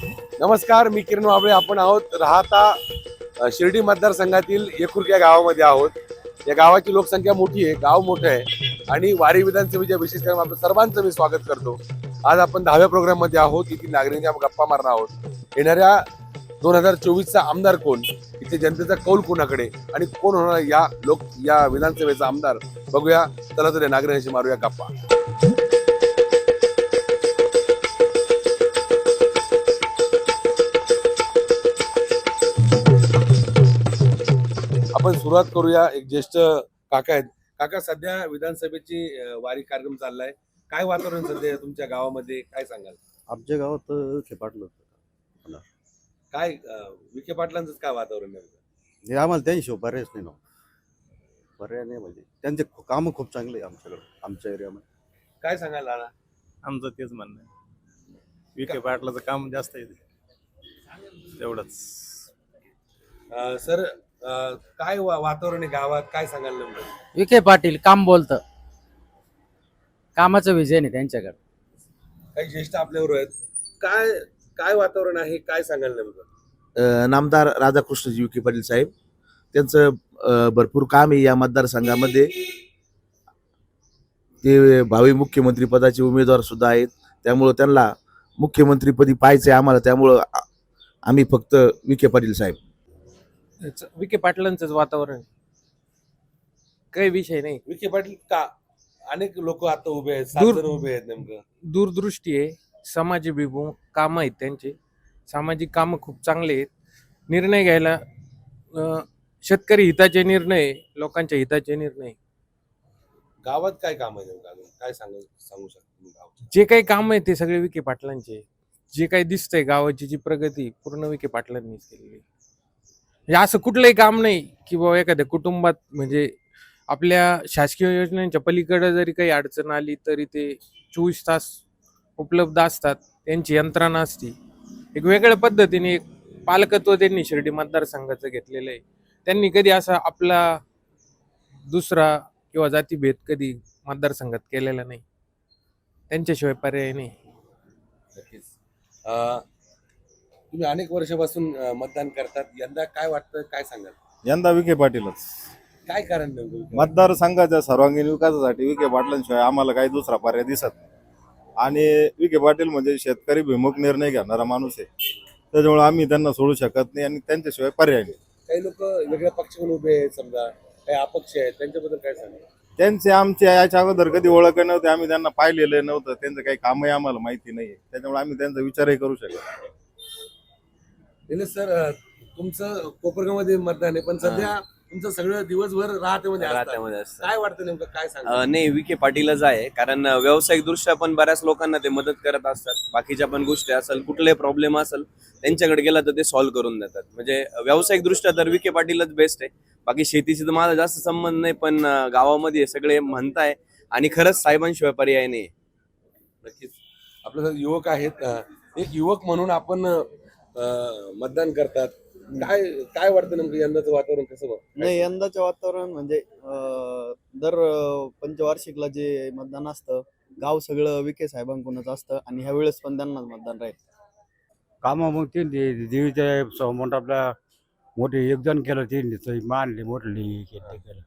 नमस्कार, मी किरण वाबळे. आपण आहोत राहता शिर्डी मतदारसंघातील येकुर्क या गावामध्ये आहोत. या गावाची लोकसंख्या मोठी आहे, गाव मोठं आहे आणि वारी विधानसभेच्या विशेष कार्यक्रम आपल्या सर्वांचं मी स्वागत करतो. आज आपण 10व्या प्रोग्राममध्ये आहोत. येथील नागरिकांच्या गप्पा मारणार आहोत. येणाऱ्या 2024चा आमदार कोण, इथे जनतेचा कौल कोणाकडे आणि कोण होणार या विधानसभेचा आमदार, बघूया. चला तर या नागरिकांशी मारूया गप्पा. आपण सुरुवात करूया. एक ज्येष्ठ काका आहेत. काका, सध्या विधानसभेची वारी कार्यक्रम चाललाय. काय वातावरण सध्या तुमच्या गावामध्ये, काय सांगाल? आमच्या गावात विखे पाटील होतं. काय विखे पाटलांचं काय वातावरण आहे? हे आम्हाला त्यांच्याशिवाय पर्यायच नाही ना. पर्याय नाही म्हणजे त्यांचे कामं खूप चांगले आहे आमच्याकडे, आमच्या एरियामध्ये. काय सांगाल दादा? आमचं तेच म्हणणं आहे, विखे पाटलाचं काम जास्त आहे तेवढंच. सर, काय वातावरण आहे गावात, काय सांगाल नेमकं? विखे पाटील काम बोलतं, कामाचं विजय नाही त्यांच्याकडे. काही ज्येष्ठ आपल्यावर आहेत. काय काय वातावरण आहे, काय सांगाल नेमकं? नामदार राधाकृष्णजी विखे पाटील साहेब, त्यांचं भरपूर काम आहे या मतदारसंघामध्ये. ते भावी मुख्यमंत्री पदाचे उमेदवार सुद्धा आहेत, त्यामुळं त्यांना मुख्यमंत्रीपदी पाहायचं आहे आम्हाला. त्यामुळं आम्ही फक्त विखे पाटील साहेब. विखे पाटलांचंच वातावरण, काही विषय नाही. विखे पाटील का? अनेक लोक आता उभे आहेत, 7 जण उभे आहेत. नेमकं दूरदृष्टी आहे, समाजभिमुख काम आहेत त्यांचे, सामाजिक कामं खूप चांगले आहेत. निर्णय घ्यायला शेतकरी हिताचे निर्णय, लोकांच्या हिताचे निर्णय. गावात काय काम आहे नेमकं, काय सांगू शकता तुम्ही गावचं? जे काही काम आहे ते सगळे विखे पाटलांचे. जे काही दिसतंय गावाची जी प्रगती पूर्ण विखे पाटलांनीच केलेली. म्हणजे असं कुठलंही काम नाही की बाबा एखाद्या कुटुंबात, म्हणजे आपल्या शासकीय योजनांच्या पलीकडे जरी काही अडचण आली तरी ते 24 तास उपलब्ध असतात. त्यांची यंत्रणा असते. एक वेगळ्या पद्धतीने एक पालकत्व त्यांनी शिर्डी मतदारसंघाचं घेतलेलं आहे. त्यांनी कधी असा आपला दुसरा किंवा जातीभेद कधी मतदारसंघात केलेला नाही. त्यांच्याशिवाय पर्याय नाही. नक्कीच. तुम्ही अनेक वर्षापासून मतदान करतात. यंदा काय वाटतं, काय सांगाल? यंदा विखे पाटीलच. काय कारण नेमकं? मतदारसंघाच्या सर्वांगीण विकासासाठी विखे पाटलांशिवाय आम्हाला काही दुसरा पर्याय दिसत नाही. आणि विखे पाटील म्हणजे शेतकरी भिमुख निर्णय घेणारा माणूस आहे, त्याच्यामुळे आम्ही त्यांना सोडू शकत नाही आणि त्यांच्याशिवाय पर्याय नाही. काही लोक वेगळ्या पक्षाकडून उभे आहेत, समजा काही अपक्ष आहेत, त्यांच्याबद्दल काय सांगाल? त्यांचे आमच्या याच्या अगोदर कधी ओळख नव्हते, आम्ही त्यांना पाहिलेलं नव्हतं, त्यांचं काही कामही आम्हाला माहिती नाही, त्याच्यामुळे आम्ही त्यांचा विचारही करू शकत नाही. निलेश सर, तुमचं कोपरगावमध्ये मतदान आहे, पण सध्या तुमचं सगळं दिवसभर राहतेमध्ये असतं. काय वाटतं नेमकं, काय सांगा? नाही, विखे पाटीलच आहे. कारण व्यावसायिक दृष्ट्या पण बऱ्याच लोकांना ते मदत करत असतात. बाकीच्या पण गोष्टी असेल, कुठले प्रॉब्लेम असेल त्यांच्याकडे गेला तर ते सॉल्व्ह करून देतात. म्हणजे व्यावसायिक दृष्ट्या तर विखे पाटीलच बेस्ट आहे. बाकी शेतीशी तर माझा जास्त संबंध नाही, पण गावामध्ये सगळे म्हणताय आणि खरंच साहेबांशिवाय पर्याय नाही. नक्कीच. आपल्या युवक आहेत. एक युवक म्हणून आपण मतदान करतात. काय काय वाटतं नेमकं यंदाचं वातावरण कसं बघ? नाही, यंदाचं वातावरण म्हणजे दर पंचवार्षिकला जे मतदान असतं, गाव सगळं विखे साहेबांकडूनच असतं आणि ह्या वेळेस पण त्यांनाच मतदान राहील. कामं मग ते देवीच्या समोर आपल्या मोठे योगदान केलं, ते मानले मोठली केलं.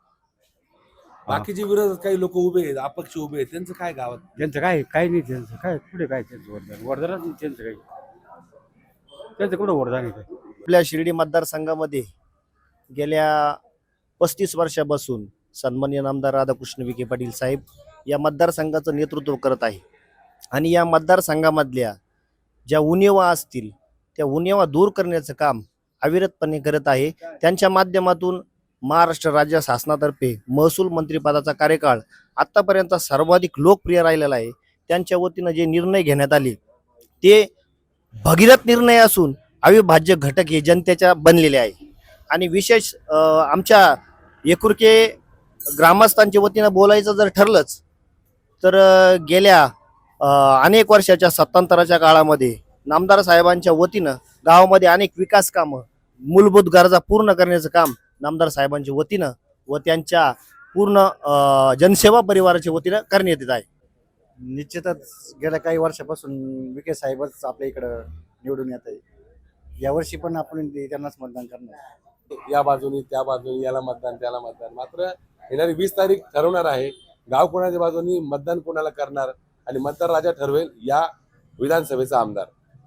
बाकीचे विरोधात काही लोक उभे आहेत, अपक्ष उभे आहेत, त्यांचं काय गावात? त्यांचं काही नाही, त्यांचं काय कुठे काय, त्यांचं वरदानच नाही त्यांचं काही, त्यांचं कुठं वरदान आहे काय? आपल्या शिर्डी मतदारसंघामध्ये गेल्या 35 वर्षापासून सन्माननीय नामदार राधाकृष्ण विखे पाटील साहेब या मतदारसंघाचं नेतृत्व करत आहे आणि या मतदारसंघामधल्या ज्या उणिवा असतील त्या उणिवा दूर करण्याचं काम अविरतपणे करत आहे. त्यांच्या माध्यमातून महाराष्ट्र राज्य शासनातर्फे महसूल मंत्रिपदाचा कार्यकाळ आत्तापर्यंत सर्वाधिक लोकप्रिय राहिलेला आहे. त्यांच्या वतीनं जे निर्णय घेण्यात आले ते भगीरथ निर्णय असून अविभाज्य घटक हे जनतेच्या बनलेले आहे. आणि विशेष आमच्या येकुर्के ग्रामस्थांच्या वतीनं बोलायचं जर ठरलंच तर गेल्या अनेक वर्षाच्या सत्तांतराच्या काळामध्ये नामदार साहेबांच्या वतीनं गावामध्ये अनेक विकास कामं, मूलभूत गरजा पूर्ण करण्याचं काम नामदार साहेबांच्या वतीनं व त्यांच्या पूर्ण जनसेवा परिवाराच्या वतीनं करण्यात येत आहे. निश्चितच गेल्या काही वर्षापासून विखे साहेबच आपल्या इकडं निवडून येत आहे. यावर्षी पण आपण त्यांनाच मतदान करणार. या बाजूनी त्या बाजूनी, याला मतदान त्याला मतदान. मात्र येणारी 20 तारीख ठरवणार आहे गाव कोणाच्या बाजूनी मतदान कोणाला करणार आणि मतदार राजा ठरवेल या विधानसभेचा आमदार.